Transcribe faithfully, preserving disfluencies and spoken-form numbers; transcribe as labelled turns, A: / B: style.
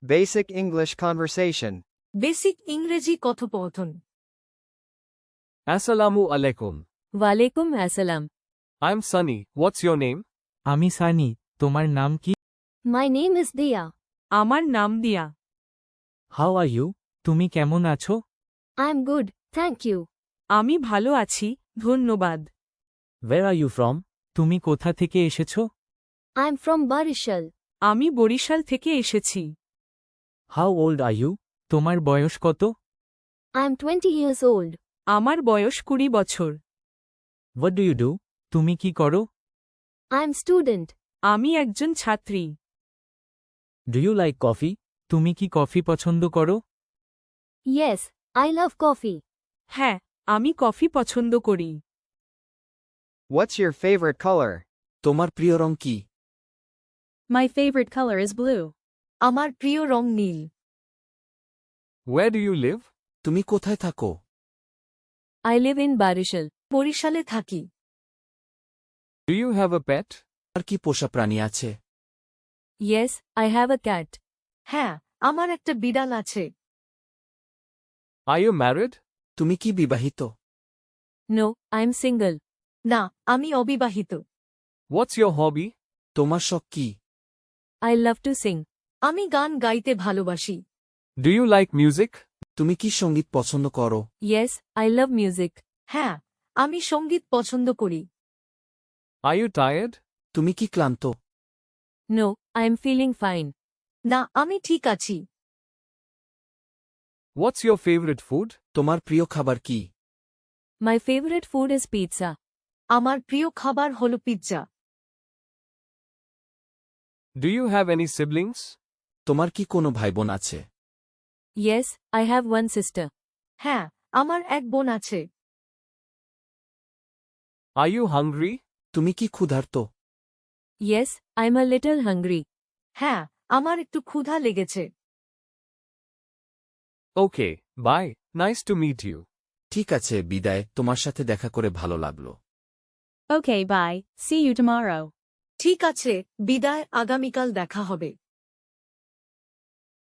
A: Basic English conversation.
B: Basic ইংরেজি কথোপকথন।
C: Assalamu alaikum.
D: ওয়ালাইকুম আসসালাম।
C: I'm Sunny. What's your name?
E: আমি সানি, তোমার নাম কি?
D: মাই নেম ইজ দিয়া।
B: আমার নাম দিয়া।
E: How are you? তুমি কেমন আছো?
D: I am good, thank you.
B: আমি ভালো আছি, ধন্যবাদ।
E: Where are you from? তুমি কোথা থেকে এসেছো?
D: I am from Barishal.
B: আমি বরিশাল থেকে এসেছি।
E: How old are you? তোমার বয়স কত?
D: I am twenty years old.
B: আমার বয়স কুড়ি বছর।
E: What do you do? তুমি কি করো?
D: I am student.
B: আমি একজন ছাত্রী।
E: Do you like coffee? তুমি কি কফি পছন্দ করো?
D: Yes, I love coffee.
B: হ্যাঁ, আমি কফি পছন্দ করি।
A: What's your favorite color?
F: তোমার প্রিয় রং কি?
D: My favourite colour is blue.
B: আমার প্রিয় রং নীল।
C: Where do you live?
F: তুমি কোথায় থাকো?
D: I live in Barishal.
B: বরিশালে থাকি।
C: Do you have a pet?
F: আর কি পোষা প্রাণী আছে?
D: Yes, I have a cat.
B: হ্যাঁ, আমার একটা বিড়াল আছে।
C: Are you married?
F: তুমি কি বিবাহিত?
D: No, I am single.
B: না, আমি অবিবাহিত।
C: What's your hobby?
F: তোমার শখ কি?
D: I love to sing.
B: আমি গান গাইতে ভালোবাসি।
C: Do you like music?
F: তুমি কি সঙ্গীত পছন্দ করো?
D: Yes, I love music.
B: হ্যাঁ, আমি সঙ্গীত পছন্দ করি।
C: Are you tired?
F: তুমি কি ক্লান্ত?
D: No, I am feeling fine.
B: না, আমি ঠিক আছি।
C: What's your favorite food?
F: তোমার প্রিয় খাবার কি?
D: My favourite food is pizza.
B: আমার প্রিয় খাবার হল pizza.
C: Do you have any siblings?
F: তোমার কি কোনো ভাইবোন আছে?
D: Yes, I have one sister.
B: হ্যাঁ, আমার এক বোন আছে।
C: Are you hungry?
F: তুমি কি ক্ষুধার্ত?
D: Yes, I am a little hungry.
B: হ্যাঁ, আমার একটু ক্ষুধা লেগেছে।
C: Okay, bye. Nice to meet you.
F: ঠিক আছে, বিদায়, তোমার সাথে দেখা করে ভালো লাগলো।
D: Okay, bye. See you tomorrow.
B: ঠিক আছে, বিদায়, আগামীকাল দেখা হবে।